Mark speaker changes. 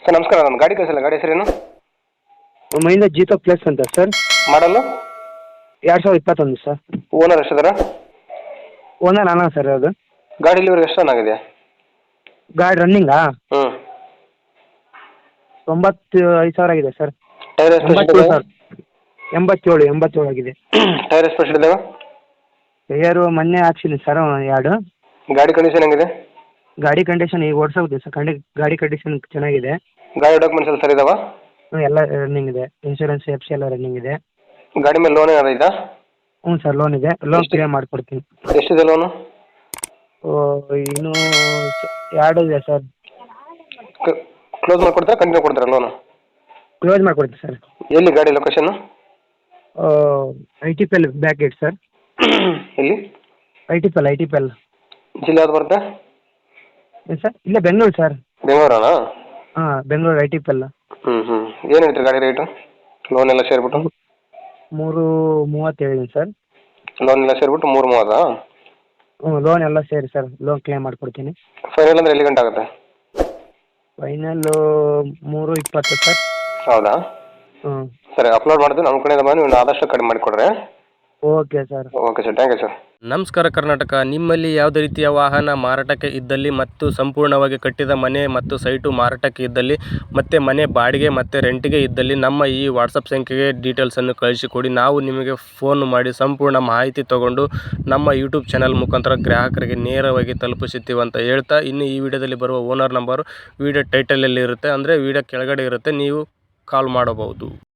Speaker 1: Sir ನಮಸ್ಕಾರ, ನನ್ನ ಗಾಡಿ ಕಳಿಸಿಲ್ಲ. ಗಾಡಿ ಹೆಸರೇನು?
Speaker 2: ಮಹೀಂದ್ರ ಜೀತೋ ಪ್ಲಸ್ ಅಂತ ಸರ್.
Speaker 1: ಮಾಡಲು
Speaker 2: 2021 ಸರ್.
Speaker 1: ಓನರ್ ಎಷ್ಟಿದಾರ?
Speaker 2: ಓನರ್ ನಾನಾ ಸರ್ ಅದು.
Speaker 1: ಗಾಡಿ ಇಲ್ಲಿವರೆಗೆ ಎಷ್ಟು ರನ್ ಆಗಿದೆ?
Speaker 2: ಗಾಡಿ ರನ್ನಿಂಗಾ
Speaker 1: ಹ್ಞೂ
Speaker 2: 95,000 ಆಗಿದೆ ಸರ್.
Speaker 1: ಟೈರ್ ಎಷ್ಟು
Speaker 2: 87 ಸರ್. 87 ಆಗಿದೆ.
Speaker 1: ಟೈರ್ ಎಷ್ಟು ಪರ್ಸೆಂಟ್ ಇದಾವೆ?
Speaker 2: ಟೈರು ಮೊನ್ನೆ ಹಾಕ್ಸಿನಿ ಸರ್ ಎರಡು.
Speaker 1: ಗಾಡಿ ಕಂಡೀಷನ್ ಹೆಂಗಿದೆ?
Speaker 2: ಗಾಡಿ ಕಂಡೀಷನ್ ಈಗ ಓಡಿಸೋಗಿದೆ ಸರ್. ಗಾಡಿ ಕಂಡೀಷನ್ ಚೆನ್ನಾಗಿದೆ.
Speaker 1: ಗಾಡಿ ಡಾಕ್ಯುಮೆಂಟ್ಸ್ ಎಲ್ಲ ಸರಿ ಇದಾವ?
Speaker 2: ಎಲ್ಲ ರನ್ನಿಂಗ್ ಇದೆ. ಇನ್ಶೂರೆನ್ಸ್ ಎಫ್ ಸಿ ಎಲ್ಲ ರನ್ನಿಂಗ್ ಇದೆ.
Speaker 1: ಗಾಡಿ ಮೇಲೆ ಲೋನ್ ಏನಾದ್ರು ಇದಾ?
Speaker 2: ಹ್ಞೂ ಸರ್, ಲೋನ್ ಇದೆ. ಲೋನ್ ಕ್ಲಿಯರ್ ಮಾಡಿಕೊಡ್ತೀನಿ.
Speaker 1: ಎಷ್ಟಿದೆ ಲೋನು?
Speaker 2: ಇನ್ನೂ 2 ಇದೆ ಸರ್.
Speaker 1: ಕ್ಲೋಸ್ ಮಾಡಿಕೊಡ್ತೀರಾ, ಕಂಟಿನ್ಯೂ ಕೊಡ್ತೀರಾ ಲೋನು?
Speaker 2: ಕ್ಲೋಸ್ ಮಾಡಿಕೊಡ್ತೀನಿ ಸರ್.
Speaker 1: ಎಲ್ಲಿ ಗಾಡಿ location?
Speaker 2: ITPL back gate sir.
Speaker 1: ಎಲ್ಲಿ?
Speaker 2: ITPL
Speaker 1: ಜಿಲ್ಲೆ ಯಾವ್ದು ಬರುತ್ತೆ?
Speaker 2: ಏನು ಸರ್? ಇಲ್ಲೇ ಬೆಂಗಳೂರು ಸರ್.
Speaker 1: ಬೆಂಗಳೂರನಾ?
Speaker 2: ಹಾಂ, ಬೆಂಗಳೂರು ITPL.
Speaker 1: ಏನು ಹೇಳ್ತೀರಿ ಗಾಡಿ ರೇಟು? ಲೋನ್ ಎಲ್ಲ ಸೇರಿಬಿಟ್ಟು
Speaker 2: 330 ಹೇಳಿದ್ದೀನಿ ಸರ್.
Speaker 1: ಲೋನ್ ಎಲ್ಲ ಸೇರಿಬಿಟ್ಟು 330?
Speaker 2: ಹ್ಞೂ, ಲೋನ್ ಎಲ್ಲ ಸೇರಿ ಸರ್. ಲೋನ್ ಕ್ಲೇಮ್ ಮಾಡಿಕೊಡ್ತೀನಿ.
Speaker 1: ಫೈನಲ್ ಅಂದರೆ ಎಲ್ಲಿ ಗಂಟೆ ಆಗುತ್ತೆ?
Speaker 2: Final 320 sir.
Speaker 1: ಹೌದಾ?
Speaker 2: ಹ್ಞೂ,
Speaker 1: ಸರಿ, ಅಪ್ಲೋಡ್ ಮಾಡ್ತೀನಿ. ನಮ್ಮ ಕಡೆಯಿಂದ ಬಂದು ನೀವು ಆದಷ್ಟು ಕಡಿಮೆ ಮಾಡಿಕೊಡ್ರಿ.
Speaker 2: Okay sir.
Speaker 1: Okay sir, thank you sir.
Speaker 3: ನಮಸ್ಕಾರ ಕರ್ನಾಟಕ. ನಿಮ್ಮಲ್ಲಿ ಯಾವುದೇ ರೀತಿಯ ವಾಹನ ಮಾರಾಟಕ್ಕೆ ಇದ್ದಲ್ಲಿ ಮತ್ತು ಸಂಪೂರ್ಣವಾಗಿ ಕಟ್ಟಿದ ಮನೆ ಮತ್ತು ಸೈಟು ಮಾರಾಟಕ್ಕೆ ಇದ್ದಲ್ಲಿ ಮತ್ತು ಮನೆ ಬಾಡಿಗೆ ಮತ್ತು ರೆಂಟಿಗೆ ಇದ್ದಲ್ಲಿ ನಮ್ಮ ಈ ವಾಟ್ಸಪ್ ಸಂಖ್ಯೆಗೆ ಡೀಟೇಲ್ಸನ್ನು ಕಳಿಸಿಕೊಡಿ. ನಾವು ನಿಮಗೆ ಫೋನ್ ಮಾಡಿ ಸಂಪೂರ್ಣ ಮಾಹಿತಿ ತಗೊಂಡು ನಮ್ಮ ಯೂಟ್ಯೂಬ್ ಚಾನಲ್ ಮುಖಾಂತರ ಗ್ರಾಹಕರಿಗೆ ನೇರವಾಗಿ ತಲುಪಿಸುತ್ತೀವಿ ಅಂತ ಹೇಳ್ತಾ, ಇನ್ನು ಈ ವಿಡಿಯೋದಲ್ಲಿ ಬರುವ ಓನರ್ ನಂಬರು ವಿಡಿಯೋ ಟೈಟಲಲ್ಲಿ ಇರುತ್ತೆ, ಅಂದರೆ ವಿಡಿಯೋ ಕೆಳಗಡೆ ಇರುತ್ತೆ, ನೀವು ಕಾಲ್ ಮಾಡಬಹುದು.